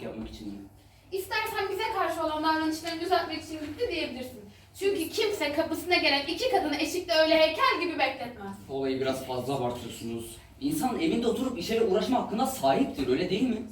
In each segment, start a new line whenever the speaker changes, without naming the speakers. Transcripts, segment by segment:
yapmak için mi?
İstersen bize karşı olan davranışlarını düzeltmek için gitti diyebilirsin. Çünkü kimse kapısına gelen iki kadını eşikte öyle heykel gibi bekletmez.
Olayı biraz fazla abartıyorsunuz. İnsan evinde oturup işe uğraşma hakkına sahiptir, öyle değil mi?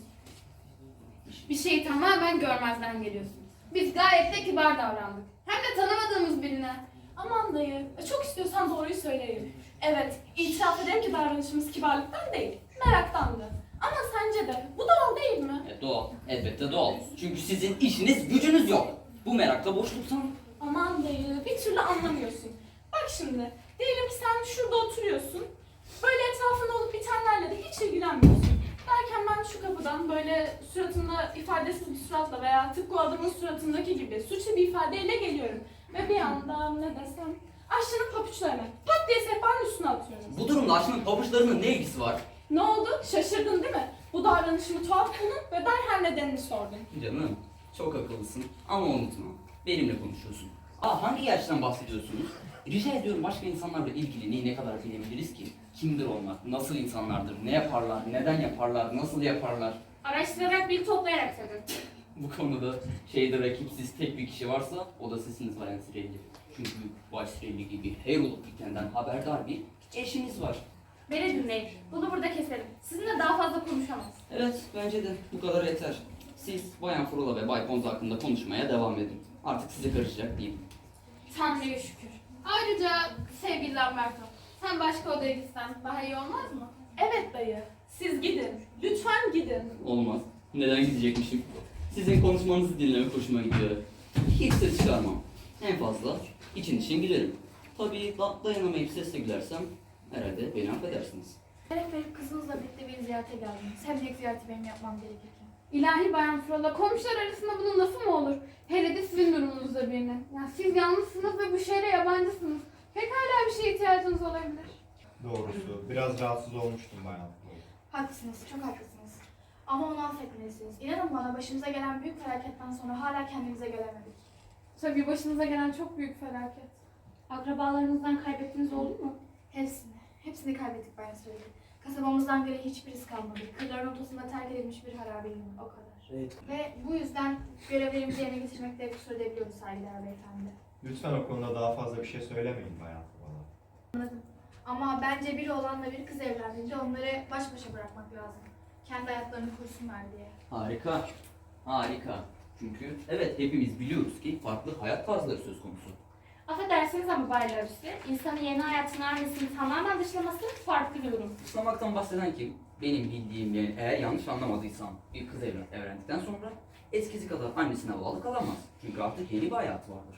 Bir şeyi tamamen görmezden geliyorsun. Biz gayet de kibar davrandık. Hem de tanımadığımız birine.
Aman dayı, çok istiyorsan doğruyu söyleyeyim. Evet, itiraf ederim ki davranışımız kibarlıktan değil, meraktandı. Ama sence de bu doğal değil mi?
Doğal, elbette doğal. Çünkü sizin işiniz gücünüz yok. Bu merakla boşluktan.
Aman dayı, bir türlü anlamıyorsun. Bak şimdi, diyelim ki sen şurada oturuyorsun, böyle etrafında olup bitenlerle de hiç ilgilenmiyorsun. Derken ben şu kapıdan böyle suratında ifadesiz bir suratla veya tıpkı o adamın suratındaki gibi suçlu bir ifadeyle geliyorum. Ve bir anda ne desem, aşçının papuçlarını pat diye sehpanın üstüne atıyorum.
Bu durumda aşkın pabuçlarının ne ilgisi var?
Ne oldu? Şaşırdın değil mi? Bu davranışımı tuhaf buldun ve derhal nedenini sordun.
Canım, çok akıllısın ama unutma. Benimle konuşuyorsun. Hangi yaştan bahsediyorsunuz? Rica ediyorum, başka insanlarla ilgili neyi ne kadar bilebiliriz ki? Kimdir onlar? Nasıl insanlardır? Ne yaparlar? Neden yaparlar? Nasıl yaparlar?
Araştırarak, bilgi toplayarak tabii.
Bu konuda şehirde rakipsiz tek bir kişi varsa o da sizsiniz Bayan Sirelli. Çünkü Bay Sirelli gibi her olup bitenden haberdar bir eşiniz var.
Beni dinleyin. Bunu burada keselim. Sizinle daha fazla konuşamaz.
Evet, bence de bu kadar yeter. Siz Bayan Frola ve Bay Pons hakkında konuşmaya devam edin. Artık size karışacak değilim.
Tanrı'ya şükür. Ayrıca sevgili Lamberto, sen başka odaya gitsen daha iyi olmaz mı?
Evet dayı, siz gidin. Lütfen gidin.
Olmaz. Neden gidecekmişim? Sizin konuşmanızı dinlemek hoşuma gidiyor. Hiç ses çıkarmam. En fazla için gülerim. Tabii dayanamayıp sesle gülersem herhalde beni affedersiniz.
Şeref verip kızınızla birlikte beni ziyarete geldiniz. Hem de ilk ziyareti benim yapmam gerekirken.
İlahi Bayan Frola, komşular arasında bunun lafı mı olur? Hele de sizin durumunuzda birinin. Yani siz yalnızsınız ve bu şehre yabancısınız. Pekala bir şeye ihtiyacınız olabilir.
Doğrusu biraz rahatsız olmuştum bayan.
Haklısınız, çok haklısınız. Ama onu affetmelisiniz. İnanın bana başımıza gelen büyük felaketten sonra hala kendimize gelemedik.
Tabii başınıza gelen çok büyük felaket. Akrabalarınızdan kaybettiğiniz oldu mu?
Hepsini kaybettik bayan söyledi. Kasabamızdan beri hiçbir iz kalmadı. Kırların ortasında terk edilmiş bir harabeyim, o kadar.
Evet.
Ve bu yüzden görevlerimizi yerine getirmekte kusur edebiliyoruz saygıdeğer beyefendi.
Lütfen o konuda daha fazla bir şey söylemeyin bayan bana.
Ama bence bir oğlanla bir kız evlendiğinde onları baş başa bırakmak lazım. Kendi hayatlarını kursunlar diye.
Harika. Harika. Çünkü evet, hepimiz biliyoruz ki farklı hayat tarzları söz konusu.
Affedersiniz ama Bay Larus'u, insanın yeni hayatını annesini tamamen dışlaması farklı bir durum.
Dışlamaktan bahseden kim? Benim bildiğim, yani eğer yanlış anlamadıysam bir kız evlendikten sonra eskisi kadar annesine bağlı kalamaz. Çünkü artık yeni bir hayatı vardır.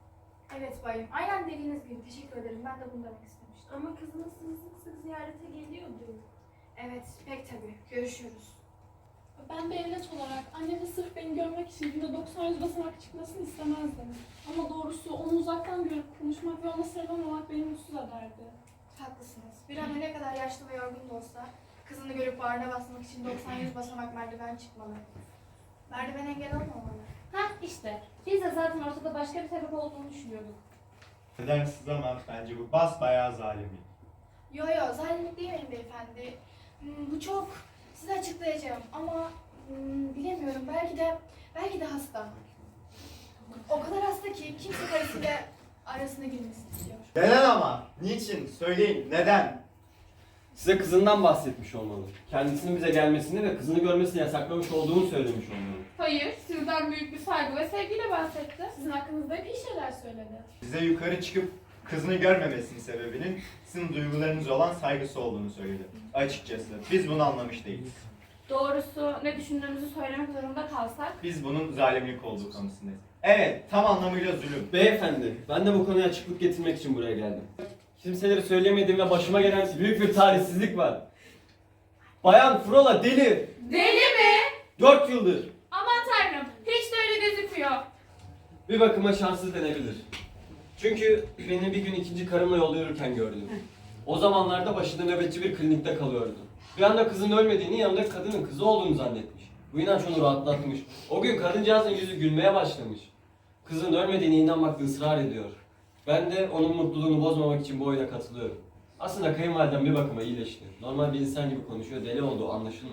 Evet bayım, aynen dediğiniz gibi. Teşekkür ederim, ben de bunu demek istemiştim.
Ama kızınız sizi sık sık ziyarete geliyordu.
Evet, pek tabii. Görüşüyoruz.
Ben bir evlat olarak annemin sırf beni görmek için günde 90-100 basamak çıkmasını istemezdim. Ama doğrusu onu uzaktan görüp konuşmak ve ona sarılamamak beni mutsuz ederdi.
Haklısınız. Bir an ne kadar yaşlı ve yorgun da olsa kızını görüp bağrına basmak için 90-100 basamak merdiven çıkmalı. Merdiven engel olmamalı.
Hah işte, biz de zaten ortada başka bir sebep olduğunu düşünüyorduk.
Affedersiniz ama bence bu basbayağı zalimlik.
Yo, zalimlik değil benim beyefendi. Bu çok, size açıklayacağım ama bilemiyorum, belki de hasta. O kadar hasta ki kimse karısıyla arasına girmesini istiyor.
Neden ama? Niçin? Söyleyin. Neden?
Size kızından bahsetmiş olmalı. Kendisinin bize gelmesini ve kızını görmesini yasaklamış olduğunu söylemiş olmalı.
Hayır, sizden büyük bir saygı ve sevgiyle bahsetti.
Sizin hakkınızda hep iyi şeyler söyledi.
Size yukarı çıkıp kızını görmemesinin sebebinin sizin duygularınız olan saygısı olduğunu söyledi. Açıkçası biz bunu anlamış değiliz.
Doğrusu ne düşündüğümüzü söylemek zorunda kalsak,
Biz bunun zalimlik olduğu konusundayız. Evet, tam anlamıyla zulüm.
Beyefendi, ben de bu konuya açıklık getirmek için buraya geldim. Kimseleri söylemediğim ve başıma gelen büyük bir talihsizlik var. Bayan Frola deli.
Deli mi?
4 yıldır.
Aman tanrım, hiç de öyle gözükmüyor.
Bir bakıma şanssız denebilir. Çünkü beni bir gün ikinci karımla yolda yürürken gördüm. O zamanlarda başında nöbetçi bir klinikte kalıyordu. Bir anda kızın ölmediğini, yanındaki kadının kızı olduğunu zannetmiş. Bu inanç onu rahatlatmış. O gün kadıncağızın yüzü gülmeye başlamış. Kızın ölmediğine inanmakta ısrar ediyor. Ben de onun mutluluğunu bozmamak için bu oyuna katılıyorum. Aslında kayınvalidem bir bakıma iyileşti. Normal bir insan gibi konuşuyor, deli olduğu anlaşılmıyor.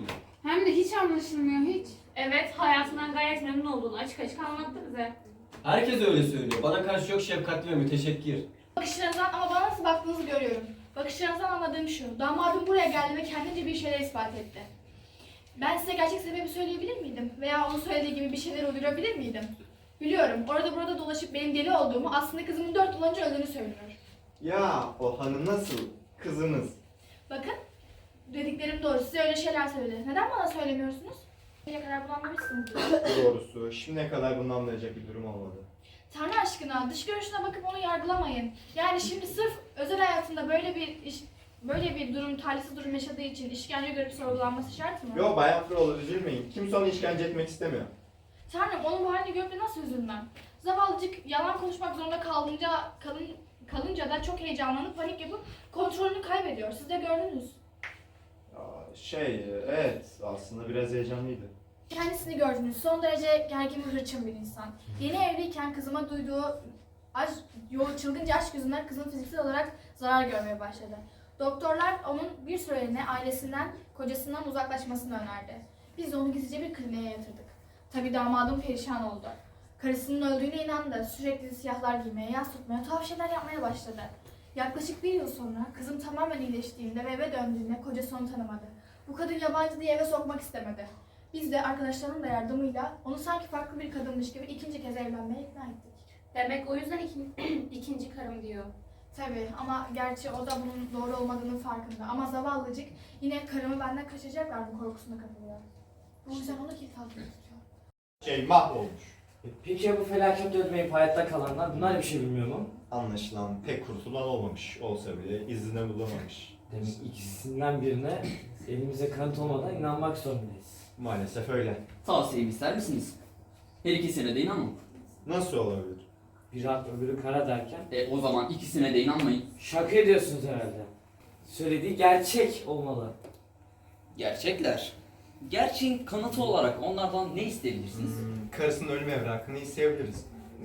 Hem de hiç anlaşılmıyor hiç.
Evet, hayatından gayet memnun olduğunu açık açık anlattı bize.
Herkes öyle söylüyor. Bana karşı çok şefkatli ve müteşekkir.
Bakışlarınızdan ama bana nasıl baktığınızı görüyorum. Bakışlarınızdan anladığım şu. Damadım buraya geldi ve kendince bir şeyler ispat etti. Ben size gerçek sebebi söyleyebilir miydim? Veya onun söylediği gibi bir şeyler uydurabilir miydim? Biliyorum. Orada burada dolaşıp benim deli olduğumu, aslında kızımın 4 yıl önce öldüğünü söylüyor.
Ya o hanım nasıl? Kızınız.
Bakın. Dediklerim doğru. Size öyle şeyler söyledi. Neden bana söylemiyorsunuz? Ne kadar bunu anlamışsınız.
Doğrusu şimdiye kadar bunu anlayacak bir durum olmadı.
Tanrı aşkına dış görünüşüne bakıp onu yargılamayın. Yani şimdi sırf özel hayatında böyle bir durum, talihsiz durum yaşadığı için işkence görüp sorgulanması şart mı?
Yo Bayan Frola üzülmeyin. Kimse onu işkence etmek istemiyor.
Tanrım onun bu halini görüp de nasıl üzülmem? Zavallıcık yalan konuşmak zorunda kalınca da çok heyecanlanıp panik yapıp kontrolünü kaybediyor. Siz de gördünüz.
Evet aslında biraz heyecanlıydı.
Kendisini gördünüz. Son derece gergin ve hırçın bir insan. Yeni evliyken kızıma duyduğu çılgınca aşk yüzünden kızın fiziksel olarak zarar görmeye başladı. Doktorlar onun bir süreliğine ailesinden, kocasından uzaklaşmasını önerdi. Biz de onu gizlice bir kliniğe yatırdık. Tabii damadım perişan oldu. Karısının öldüğüne inandı. Sürekli siyahlar giymeye, yas tutmaya, tuhaf şeyler yapmaya başladı. Yaklaşık 1 yıl sonra kızım tamamen iyileştiğinde ve eve döndüğünde kocası onu tanımadı. Bu kadın yabancı diye eve sokmak istemedi. Biz de arkadaşlarının da yardımıyla onu sanki farklı bir kadınmış gibi 2. kez evlenmeye ikna ettik.
Demek o yüzden ikinci karım diyor.
Tabii ama gerçi o da bunun doğru olmadığının farkında. Ama zavallıcık yine karımı benden kaçıracaklar mı korkusuna kapılıyor. Bu yüzden onu kilit altında tutuyor.
Mahvolmuş.
Peki ya bu felaketle ölmeyip hayatta kalanlar? Bunlar bir şey bilmiyor mu?
Anlaşılan pek kurtulan olmamış. Olsa bile izine bulamamış.
Demek ikisinden birine elimize kanıt olmadan inanmak zorundayız.
Maalesef öyle.
Tavsiyemi ister misiniz? Her ikisine de inanın.
Nasıl olabilir?
Bir ak öbürü kara derken
O zaman ikisine de inanmayın.
şaka ediyorsunuz herhalde. Söylediği gerçek olmalı.
Gerçekler. Gerçeğin kanıtı olarak onlardan ne isteyebilirsiniz?
Karısının ölüm evrakını isteyebiliriz.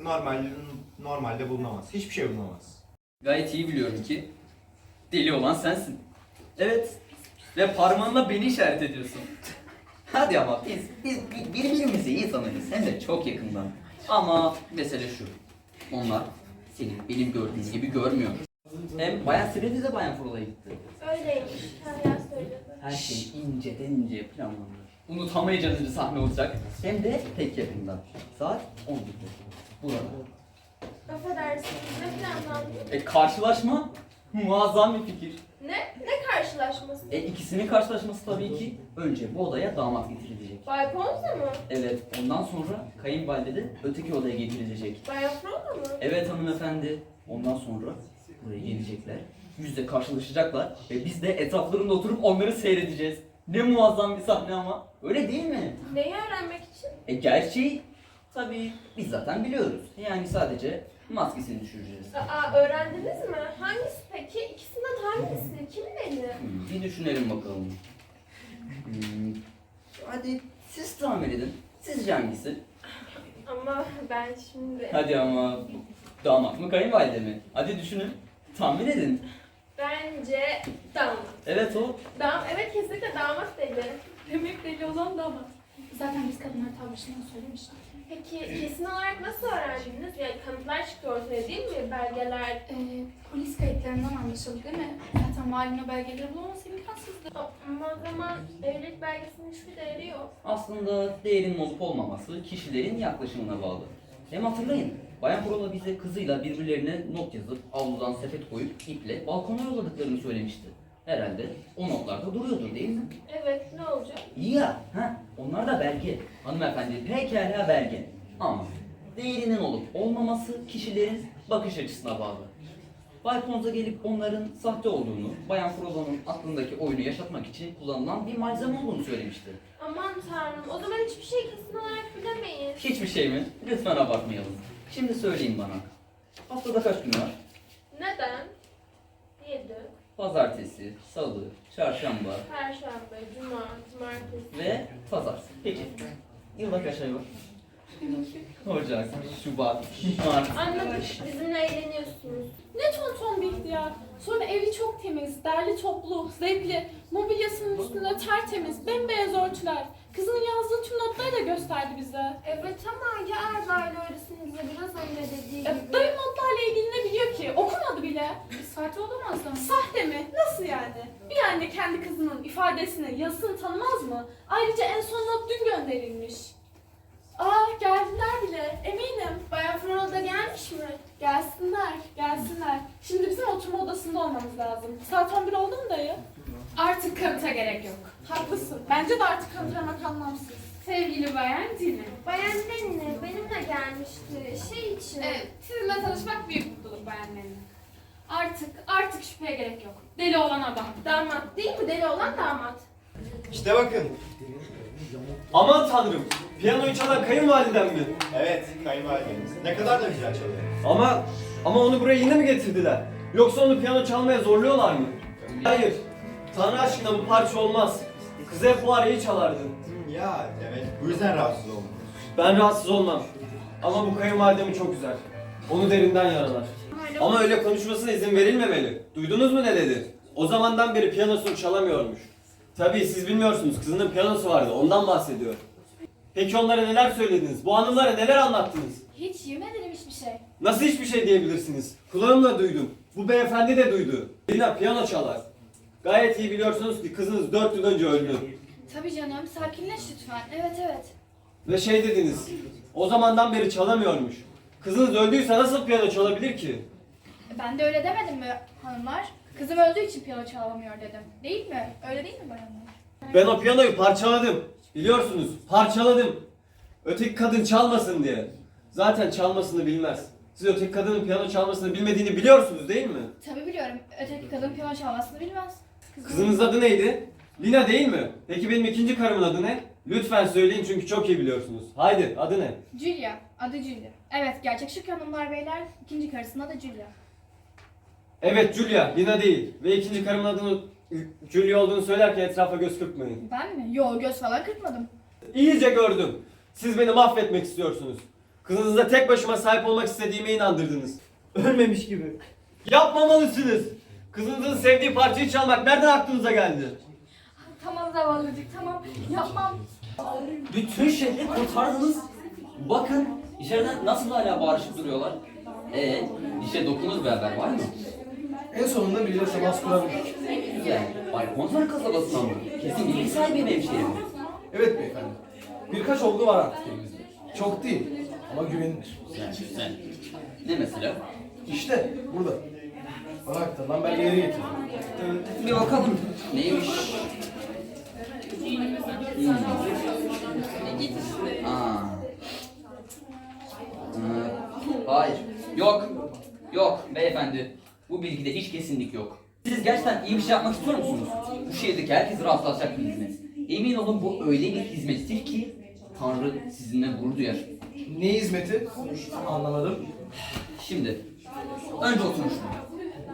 Normalde bulunamaz. Hiçbir şey bulunamaz.
Gayet iyi biliyorum ki deli olan sensin. Evet. Ve parmağınla beni işaret ediyorsun. Hadi ama biz birbirimizi iyi tanırız. Hem de çok yakından. Ama mesele şu. Onlar seni benim gördüğüm gibi görmüyor. Hem Bayan Siredi de Bayan Frola'ya gitti.
Öyleymiş. Hala söyledi.
Her şey inceden inceye planlandı. Unutamayacağınız bir sahne olacak. Hem de tek yakından. Saat 11'de. Burada.
Affedersiniz. Ne planlandı?
Karşılaşma muazzam bir fikir.
Ne karşılaşması?
İkisinin karşılaşması tabii ki önce bu odaya damat getirilecek.
Bay Ponza mı?
Evet, ondan sonra kayınvalide de öteki odaya getirilecek.
Bay Afronda mı?
Evet hanımefendi. Ondan sonra buraya gelecekler. Yüzle karşılaşacaklar ve biz de etraflarında oturup onları seyredeceğiz. Ne muazzam bir sahne ama. Öyle değil mi?
Neyi öğrenmek için?
Gerçeği tabii biz zaten biliyoruz. Yani sadece maskesini düşüreceğiz.
Öğrendiniz mi? Hangisi peki? İkisinden hangisi? Kim belli?
Bir düşünelim bakalım. Hadi siz tahmin edin. Sizce hangisi?
Ama ben şimdi...
Hadi ama damat mı kayınvalide mi? Hadi düşünün. Tahmin edin.
Bence damat.
Evet o.
Evet kesinlikle damat deli. Demek deli olan damat. Zaten biz kadınlar tavrışından söylemiştik. Peki kesin olarak nasıl öğrendiniz? Yani kanıtlar çıktı ortaya değil mi? Belgeler...
Polis kayıtlarından anlaşıldı değil mi? Zaten malum belgeleri bulamaması imkansızdı.
Ama o zaman evlilik belgesinin hiçbir değeri yok.
Aslında değerinin olup olmaması kişilerin yaklaşımına bağlı. Hem hatırlayın, Bayan Frola bize kızıyla birbirlerine not yazıp avludan sepet koyup iple balkona yolladıklarını söylemişti. Herhalde o notlarda duruyordur değil mi?
Evet, ne olacak?
İyi ya, onlar da belge. Hanımefendi pekala belge. Ama değerinin olup olmaması kişilerin bakış açısına bağlı. Bay Ponza gelip onların sahte olduğunu, Bayan Frola'nın aklındaki oyunu yaşatmak için kullanılan bir malzeme olduğunu söylemişti.
Aman tanrım, o zaman hiçbir şey kesin olarak bilemeyiz.
Hiçbir şey mi? Lütfen abartmayalım. Şimdi söyleyin bana. Haftada kaç gün var?
Neden? 7,
Pazartesi, salı, çarşamba
Perşembe, Cuma, Cumartesi.
ve pazar. Peki. Yılda kaç ay var?
Ocak, Şubat, Mart.
Anladık. Bizimle eğleniyorsunuz.
Ne tonton bir ihtiyar. Sonra evi çok temiz, derli toplu, zevkli. Mobilyasının üstünde tertemiz, bembeyaz örtüler. Kızının yazdığı tüm notları da gösterdi bize.
Evet ama ya Erdal öğretmenimize biraz önce dediği gibi.
Dayı notlarla ilgili ne biliyor ki? Okumadı bile.
Sahte olamaz mı?
Sahte mi? Nasıl yani? Bir anne kendi kızının ifadesini, yazısını tanımaz mı? Ayrıca en son not dün gönderilmiş. Geldiler bile, eminim.
Bayan Frodo da gelmiş mi?
Gelsinler, gelsinler. Şimdi bizim oturma odasında olmamız lazım. Saat 11 oldu mu dayı?
Artık kanıta gerek yok.
Haklısın. Bence de artık kanıtlamak anlamsız.
Sevgili Bayan Dine.
Bayan Lenine benimle gelmişti. Şey için.
Evet, sizinle tanışmak büyük mutluluk Bayan Dine. Artık şüpheye gerek yok. Deli olan adam.
Damat değil mi? Deli olan damat.
İşte bakın.
Aman tanrım. Piyanoyu çalan kayınvalidem mi?
Evet, kayınvalidemiz. Ne kadar da güzel çalıyor.
Ama onu buraya yine mi getirdiler? Yoksa onu piyano çalmaya zorluyorlar mı? Hayır. Tanrı aşkına bu parça olmaz. Kız hep bu arayı çalardı.
Ya demek bu yüzden rahatsız oldunuz.
Ben rahatsız olmam. Ama bu kayınvalidemi çok üzer. Onu derinden yaralar. Ama öyle konuşmasına izin verilmemeli. Duydunuz mu ne dedi? O zamandan beri piyanosunu çalamıyormuş. Tabii siz bilmiyorsunuz, kızının piyanosu vardı, ondan bahsediyor. Peki onlara neler söylediniz? Bu hanımlara neler anlattınız?
Hiç yemin ederim hiçbir şey.
Nasıl hiçbir şey diyebilirsiniz? Kulağımla duydum. Bu beyefendi de duydu. Lina piyano çalar. Gayet iyi biliyorsunuz ki kızınız 4 yıl önce öldü.
Tabii canım, sakinleş lütfen. Evet.
Ve şey dediniz, o zamandan beri çalamıyormuş. Kızınız öldüyse nasıl piyano çalabilir ki?
Ben de öyle demedim mi hanımlar? Kızım öldüğü için piyano çalamıyor dedim. Değil mi? Öyle değil mi bayanlar?
Ben o piyanoyu parçaladım. Biliyorsunuz, parçaladım. Öteki kadın çalmasın diye. Zaten çalmasını bilmez. Siz öteki kadının piyano çalmasını bilmediğini biliyorsunuz değil mi?
Tabii biliyorum. Öteki kadın piyano çalmasını bilmez.
Kızınızın adı neydi? Lina değil mi? Peki benim ikinci karımın adı ne? Lütfen söyleyin çünkü çok iyi biliyorsunuz. Haydi adı ne?
Julia. Adı Julia. Evet, gerçek şık hanımlar beyler. İkinci karısının adı Julia.
Evet Julia, Lina değil. Ve ikinci karımın adının Julia olduğunu söylerken etrafa göz kırpmayın.
Ben mi? Yo, göz falan kırpmadım.
İyice gördüm. Siz beni mahvetmek istiyorsunuz. Kızınıza tek başıma sahip olmak istediğime inandırdınız. Ölmemiş gibi. Yapmamalısınız. Kızınızın sevdiği parçayı çalmak nereden aklınıza geldi?
Tamam zavallıcık tamam. Yapmam.
Bütün şehri kurtardınız. Bakın içeriden nasıl hala bağırışıp duruyorlar. İşe dokunur bir haber var mı?
En sonunda biriyle temas kurabildik.
Güzel. Bay Konser kasabasından mı? Kesin bilgi sahibi hemşehrim.
Evet beyefendi. Birkaç olgu var artık elimizde. Çok değil ama güvenilir.
Güzel. Ne mesela?
İşte burada. Bana aktarılan belgeleri getirdim.
Bir bakalım. Neymiş? Hayır. Yok beyefendi. Bu bilgide hiç kesinlik yok. Siz gerçekten iyi bir şey yapmak istiyor musunuz? Bu şehirdeki herkesi rahatlatacak bir hizmet. Emin olun bu öyle bir hizmettir ki Tanrı sizinle gurur duyar.
Ne hizmeti? Anlamadım.
Şimdi, önce oturun şuraya.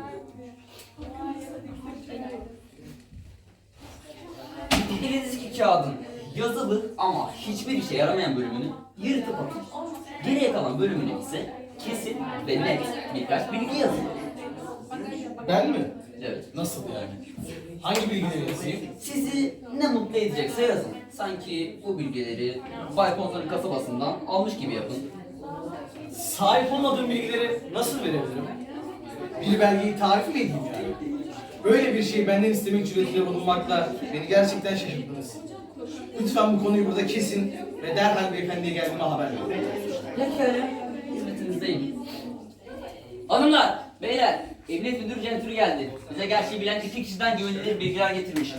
Elinizdeki kağıdın yazılı ama hiçbir işe yaramayan bölümünü yırtıp atın. Geriye kalan bölümüne ise kesin ve net birkaç bilgi yazın.
Ben mi?
Evet.
Nasıl yani? Hangi bilgileri yazayım?
Sizi ne mutlu edecekse yazın. Sanki bu bilgileri Bay Konsol'un kasabasından almış gibi yapın.
Sahip olmadığım bilgileri nasıl verebilirim? Bir belgeyi tarif mi edeyim yani? Böyle bir şeyi benden istemek cüretinde bulunmakla beni gerçekten şaşırttınız. Lütfen bu konuyu burada kesin ve derhal beyefendiye geldiğime haber verin.
Pekala, hizmetinizdeyim. Hanımlar, beyler, emniyet müdürü Centürü geldi. Bize gerçeği bilen 2 kişiden güvenilir bilgiler getirmiş.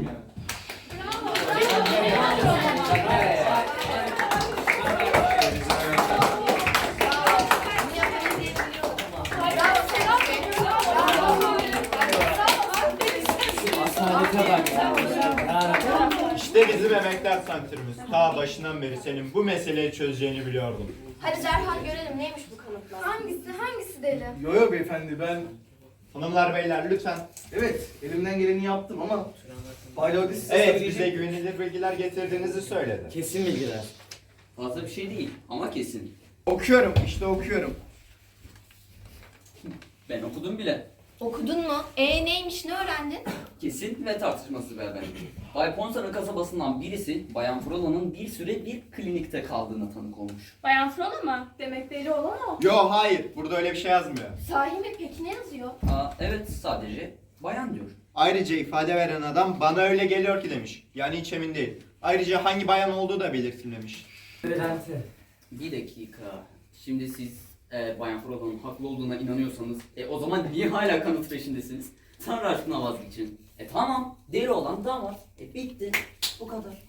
İşte bizim emekler santrimiz. Ta başından beri senin bu meseleyi çözeceğini biliyordum.
Hadi derhal görelim neymiş bu kanıtlar. Hangisi deli?
Yo beyefendi ben...
Hanımlar beyler lütfen.
Evet elimden geleni yaptım ama... Bay Lodi size
Evet
söyleyecek-
bize güvenilir bilgiler getirdiğinizi söyledi.
Kesin bilgiler.
Fazla bir şey değil ama kesin.
Okuyorum, işte okuyorum.
Ben okudum bile.
Okudun mu? Neymiş, ne öğrendin?
Kesin ve tartışmasız bir haber. Bay Ponsar'ın kasabasından birisi Bayan Frola'nın bir süre bir klinikte kaldığına tanık olmuş.
Bayan Frola mı?
Demek deli olan o.
Yo hayır, burada öyle bir şey yazmıyor.
Sahi mi? Peki ne yazıyor?
Evet, sadece bayan diyor.
Ayrıca ifade veren adam bana öyle geliyor ki demiş. Yani hiç emin değil. Ayrıca hangi bayan olduğu da belirtilmemiş.
Öğrenti.
Bir dakika. Şimdi siz Bayan Frola'nın haklı olduğuna inanıyorsanız o zaman niye hala kanıt peşindesiniz? Tanrı aşkına vazgeçin. Tamam, deli olan damat. Bitti. Bu kadar.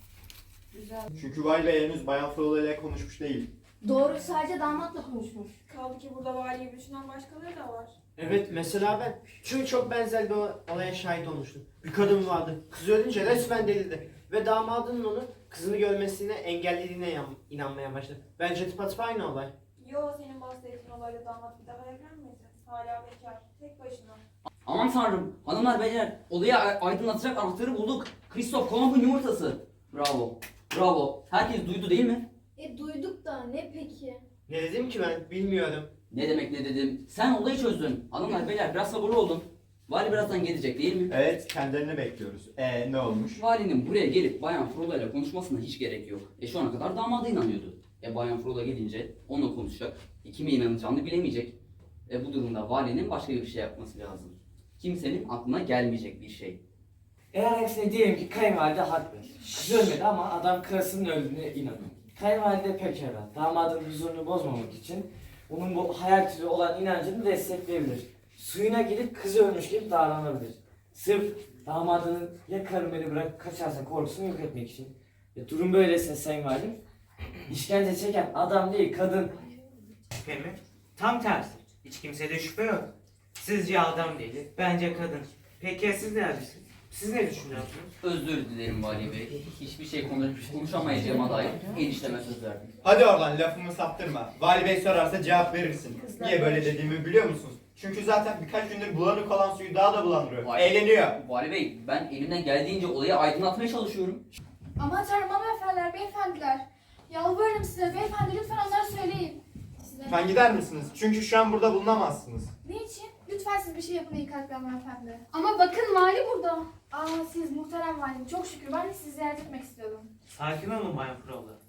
Çünkü Vali Bey henüz Bayan Frola ile konuşmuş değil.
Doğru, sadece damatla konuşmuş.
Kaldı ki burada valiyi düşünen başkaları da var.
Evet, mesela ben. Çünkü çok benzer bir olaya şahit olmuştum. Bir kadın vardı. Kız ölünce resmen delirdi. Ve damadının onu kızını görmesine engellediğine inanmaya başladı. Bence tıpatıp aynı olay.
Yo, senin bahsettiğin olayla damat bir daha evlenmedi. Hala bekar, tek başına.
Aman tanrım, hanımlar beyler, olayı aydınlatacak anahtarı bulduk. Kristof Kolomb'un yumurtası. Bravo, bravo. Herkes duydu değil mi?
Duyduk da ne peki?
Ne dedim ki ben? Bilmiyorum.
Ne demek ne dedim? Sen olayı çözdün. Hanımlar beyler biraz sabırlı olun. Vali birazdan gelecek değil mi?
Evet, kendilerini bekliyoruz. Ne olmuş?
Valinin buraya gelip Bayan Frola ile konuşmasına hiç gerek yok. Şu ana kadar damada inanıyordu. Bayan Frola gelince onunla konuşacak. Kime inanacağını bilemeyecek. Bu durumda valinin başka bir şey yapması lazım. Kimsenin aklına gelmeyecek bir şey.
Eğer aksine diyelim ki kayınvalide haklı. Kız ölmedi ama adam karısının öldüğüne inanıyor. Kayınvalide pekala damadın huzurunu bozmamak için onun bu hayal türü olan inancını destekleyebilir. Suyuna gidip kızı ölmüş gibi davranabilir. Sırf damadının ya karım beni bırakıp kaçarsa korkusunu yok etmek için. Durum böyleyse sayın valim, işkence çeken adam değil kadın.
Şüphe mi? Tam tersi. Hiç kimsede şüphe yok. Sizce adam değil, bence kadın. Peki ya siz ne yapıyorsunuz? Siz ne düşünüyorsunuz?
Özür dilerim Vali Bey. Hiçbir şey konuşamayacağıma dair enişteme söz verdim.
Hadi oradan lafımı saptırma. Vali Bey sorarsa cevap verirsin. Niye böyle dediğimi biliyor musunuz? Çünkü zaten birkaç gündür bulanık olan suyu daha da bulandırıyor. Eğleniyor.
Vali Bey, ben elimden geldiğince olayı aydınlatmaya çalışıyorum.
Aman tanrım, hanımefendiler, beyefendiler. Yalvarırım size beyefendi, lütfen onlara söyleyin.
Lütfen gider misiniz? Çünkü şu an burada bulunamazsınız.
Niçin? Lütfen siz bir şey yapın iyi kalpli hanımefendi.
Ama bakın vali burada.
Siz muhterem valim, çok şükür ben de sizi ziyaret etmek istiyordum.
Sakin olun Bayan Frola.